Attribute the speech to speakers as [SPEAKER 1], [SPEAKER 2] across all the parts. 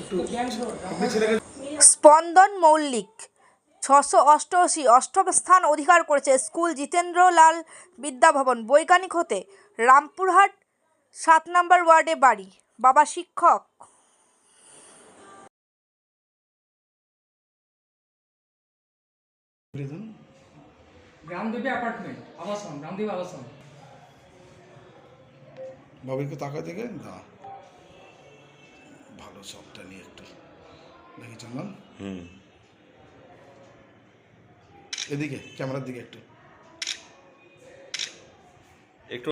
[SPEAKER 1] স্পন্দন মৌলিক 688 অষ্টম স্থান অধিকার করেছে স্কুল জিতেন্দ্রলাল বিদ্যাভবন। বৈজ্ঞানিক হতে রামপুরহাট 7 নম্বর ওয়ার্ডে বাড়ি। বাবা শিক্ষক।
[SPEAKER 2] গ্রামদেবী অ্যাপার্টমেন্ট আবাসন, গ্রামদেবী আবাসন।
[SPEAKER 3] বাবুকে তাকা থেকে না ভালো সবটা নিয়ে একটু দেখি চন্দন। এদিকে ক্যামেরার দিকে একটু
[SPEAKER 4] একটু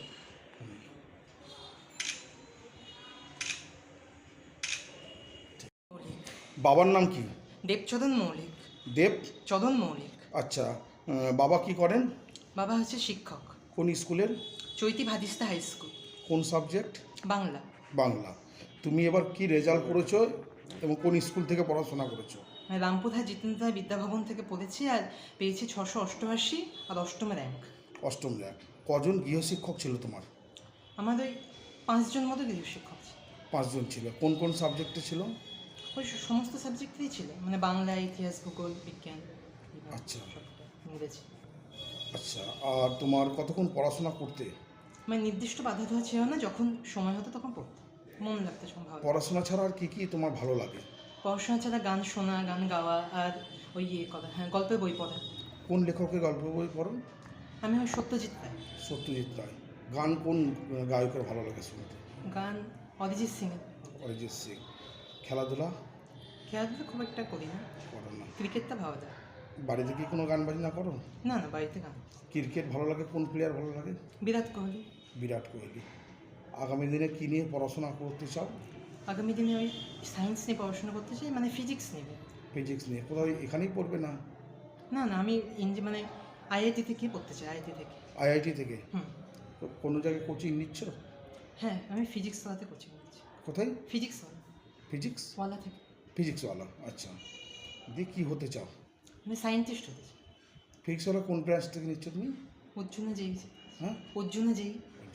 [SPEAKER 3] বাবার নাম কি?
[SPEAKER 5] দেবচদন মৌলিক।
[SPEAKER 3] দেবচদন
[SPEAKER 5] মৌলিক।
[SPEAKER 3] আচ্ছা, বাবা কি করেন?
[SPEAKER 5] বাবা হচ্ছে শিক্ষক।
[SPEAKER 3] কোন স্কুলের?
[SPEAKER 5] চৈতি ভাদিস্তা হাই স্কুল।
[SPEAKER 3] কোন সাবজেক্ট?
[SPEAKER 5] বাংলা।
[SPEAKER 3] বাংলা। তুমি এবার কি রেজাল্ট করেছো এবং কোন স্কুল থেকে পড়াশোনা করেছো?
[SPEAKER 5] রামপুরহাট জিতেন্দ্র বিদ্যাভবন থেকে পড়েছি আর পেয়েছি 688 আর অষ্টম র্যাঙ্ক।
[SPEAKER 3] অষ্টম র্যাঙ্ক। কজন গৃহশিক্ষক ছিল তোমার?
[SPEAKER 5] আমাদের 5 জন মতো গৃহশিক্ষক ছিল।
[SPEAKER 3] 5 জন ছিল। কোন কোন সাবজেক্টে ছিল?
[SPEAKER 5] ওই সমস্ত সাবজেক্টেই ছিল, মানে বাংলা, ইতিহাস, ভূগোল, বিজ্ঞান।
[SPEAKER 3] আচ্ছা,
[SPEAKER 5] ইংরেজি।
[SPEAKER 3] আচ্ছা, আর তোমার কতক্ষণ পড়াশোনা করতে?
[SPEAKER 5] মানে নির্দিষ্ট বাধা দেওয়া ছিল না, যখন সময় হতো তখন পড়তাম, মন লাগতো সম্ভব।
[SPEAKER 3] পড়াশোনা ছাড়া আর কি কি তোমার ভালো লাগে?
[SPEAKER 5] পড়াশোনা ছাড়া গান শোনা, গান গাওয়া, আর ওই করা, গল্পের বই পড়া।
[SPEAKER 3] কোন লেখকের গল্প বই পড়ো?
[SPEAKER 5] আমি ওই সত্যজিৎ রায়।
[SPEAKER 3] সত্যজিৎ রায়। গান কোন গায়কের ভালো লাগে শুনতে?
[SPEAKER 5] গান অরিজিৎ সিংয়ের।
[SPEAKER 3] অরিজিৎ সিং। খেলাধুলা?
[SPEAKER 5] খেলাধুলা খুব একটা করি না।
[SPEAKER 3] করো না?
[SPEAKER 5] ক্রিকেটটা ভালো লাগে।
[SPEAKER 3] বাড়িতে কি কোনো গান বাজনা করো?
[SPEAKER 5] না না, বাড়িতে গান।
[SPEAKER 3] ক্রিকেট ভালো লাগে? কোন প্লেয়ার ভালো লাগে?
[SPEAKER 5] বিরাট কোহলি।
[SPEAKER 3] বিরাট কোহলি। আগামী দিনে কী নিয়ে পড়াশোনা করতে চাও?
[SPEAKER 5] আগামী দিনে ওই সায়েন্স নিয়ে পড়াশোনা করতে চাই, মানে ফিজিক্স নিয়ে।
[SPEAKER 3] ফিজিক্স নিয়ে কোথাও এখানেই পড়বে না?
[SPEAKER 5] না না, আমি মানে আইআইটি থেকে পড়তে চাই।
[SPEAKER 3] আইআইটি থেকে? কোনো জায়গায় কোচিং নিচ্ছ?
[SPEAKER 5] হ্যাঁ, আমি ফিজিক্স ওয়ালাতে কোচিং নিচ্ছি।
[SPEAKER 3] কোথায়?
[SPEAKER 5] ফিজিক্স ওয়ালা থেকে।
[SPEAKER 3] ফিজিক্সওয়ালা। আচ্ছা, দিয়ে কী হতে চাও?
[SPEAKER 5] মানে সায়েন্টিস্ট হতে চাই।
[SPEAKER 3] ফিজিক্সওয়ালা কোন ব্রাঞ্চ থেকে নিচ্ছ তুমি?
[SPEAKER 5] অর্জুনা যেই।
[SPEAKER 3] হ্যাঁ,
[SPEAKER 5] অর্জুনা যেই।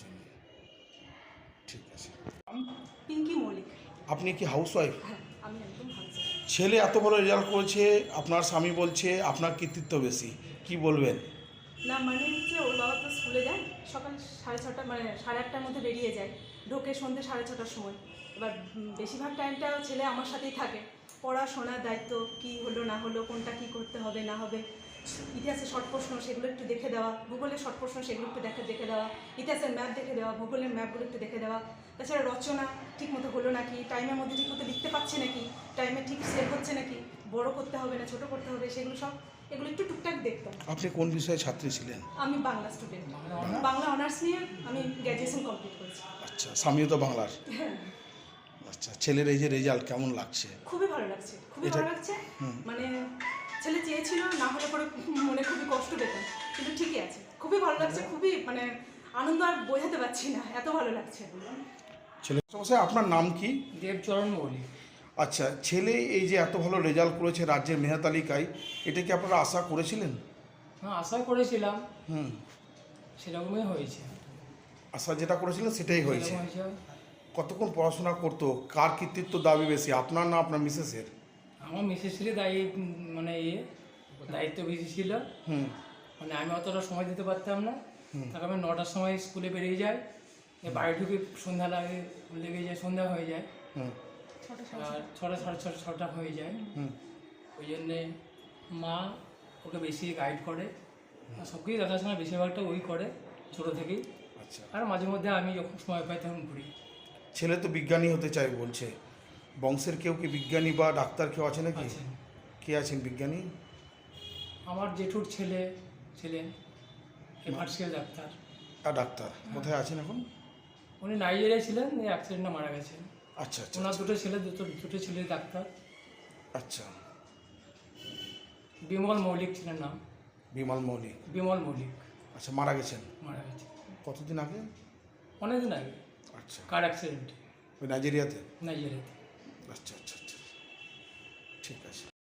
[SPEAKER 3] ঠিক আছে।
[SPEAKER 6] পিঙ্কি মৌলিক।
[SPEAKER 3] আপনি কি হাউসওয়াইফ?
[SPEAKER 6] হ্যাঁ, আমি একদম হাউসওয়াইফ।
[SPEAKER 3] ছেলে এত বড় রেজাল্ট করেছে, আপনার স্বামী বলছে আপনার কৃতিত্ব বেশি, কি বলবেন?
[SPEAKER 6] না, মানে হচ্ছে ওর বাবা তো স্কুলে যায় সকাল 6:30, মানে 8:30টার মধ্যে বেরিয়ে যায়, ঢোকে সন্ধ্যে 6:30টার সময়। এবার বেশিরভাগ টাইমটা ছেলে আমার সাথেই থাকে। পড়াশোনার দায়িত্ব, কী হলো না হলো, কোনটা কী করতে হবে না হবে, ইতিহাসের শর্ট প্রশ্ন সেগুলো একটু দেখে দেওয়া, ভূগোলের শর্ট প্রশ্ন সেগুলো একটু দেখে দেওয়া, ইতিহাসের ম্যাপ দেখে দেওয়া, ভূগোলের ম্যাপগুলো একটু দেখে দেওয়া। তাছাড়া রচনা ঠিকমতো হলো নাকি, টাইমের মধ্যে ঠিকমতো লিখতে পারছে নাকি, টাইমে ঠিক সেভ হচ্ছে নাকি, বড় করতে হবে না ছোটো করতে হবে, সেগুলো সব এগুলো একটু টুকটাক দেখতাম।
[SPEAKER 3] আপনি কোন বিষয়ে ছাত্রী ছিলেন?
[SPEAKER 6] আমি বাংলা স্টুডেন্ট। বাংলা অনার্স নিয়ে আমি গ্র্যাজুয়েশন কমপ্লিট করেছি।
[SPEAKER 3] আচ্ছা, স্বামীও তো বাংলার?
[SPEAKER 6] হ্যাঁ।
[SPEAKER 3] আচ্ছা, ছেলের এই যে রেজাল্ট কেমন লাগছে?
[SPEAKER 6] খুবই ভালো লাগছে, খুবই ভালো লাগছে। মানে ছেলে চেয়েছিল, না হলে পরে মনে খুবই কষ্ট পেতাম, কিন্তু ঠিকই আছে, খুবই ভালো লাগছে, খুবই মানে আনন্দ আর বোঝাতে পারছি না, এত ভালো লাগছে।
[SPEAKER 3] ছেলে সমস্যায় আপনার নাম কি?
[SPEAKER 2] দেবচরণ মৌলিক।
[SPEAKER 3] আচ্ছা, ছেলে এই যে এত ভালো রেজাল্ট করেছে রাজ্যের মেধা তালিকায়, এটা কি আপনারা আশা করেছিলেন?
[SPEAKER 2] হ্যাঁ, আশা করেছিলাম, সেরকমই হয়েছে।
[SPEAKER 3] আশা যেটা করেছিলেন সেটাই হয়েছে। কতক্ষণ পড়াশোনা করতো? কার কৃতিত্ব দাবি বেশি, আপনার না আপনার মিসেসের?
[SPEAKER 2] আমার মিসেসেরই মানে দায়িত্ব বেশি ছিল। মানে আমি অতটা সময় দিতে পারতাম না। তারপর আমি 9টার সময় স্কুলে বেরিয়ে যাই, বাড়ি ঢুকে সন্ধ্যা লেগে যায়, সন্ধ্যা হয়ে যায়, আর 6টা, 6:30 হয়ে যায়। ওই জন্যে মা ওকে বেশি গাইড করে, আর সব কিছুই দেখাশোনা বেশিরভাগটা ওই করে ছোটো থেকেই।
[SPEAKER 3] আচ্ছা,
[SPEAKER 2] আর মাঝে মধ্যে আমি যখন সময় পাই তখন ঘুরি।
[SPEAKER 3] ছেলে তো বিজ্ঞানী হতে চাই বলছে, বংশের কেউ কি বিজ্ঞানী বা ডাক্তার কেউ আছে নাকি? কে আছেন বিজ্ঞানী?
[SPEAKER 2] আমার জেঠুর ছিলেন এফআরসিএল ডাক্তার।
[SPEAKER 3] আর ডাক্তার কোথায় আছেন এখন?
[SPEAKER 2] উনি নাইজেরিয়ায় ছিলেন, অ্যাক্সিডেন্টে মারা গেছেন।
[SPEAKER 3] আচ্ছা আচ্ছা,
[SPEAKER 2] ওনার দুটো ছেলে ডাক্তার।
[SPEAKER 3] আচ্ছা,
[SPEAKER 2] বিমল মৌলিক ছিলেন নাম।
[SPEAKER 3] বিমল মৌলিক।
[SPEAKER 2] আচ্ছা,
[SPEAKER 3] মারা গেছেন?
[SPEAKER 2] মারা গেছে
[SPEAKER 3] কতদিন আগে?
[SPEAKER 2] অনেকদিন আগে।
[SPEAKER 3] আচ্ছা,
[SPEAKER 2] কার অ্যাক্সিডেন্টে।
[SPEAKER 3] ওই নাইজেরিয়াতে?
[SPEAKER 2] নাইজেরিয়াতে।
[SPEAKER 3] আচ্ছা আচ্ছা আচ্ছা, ঠিক আছে।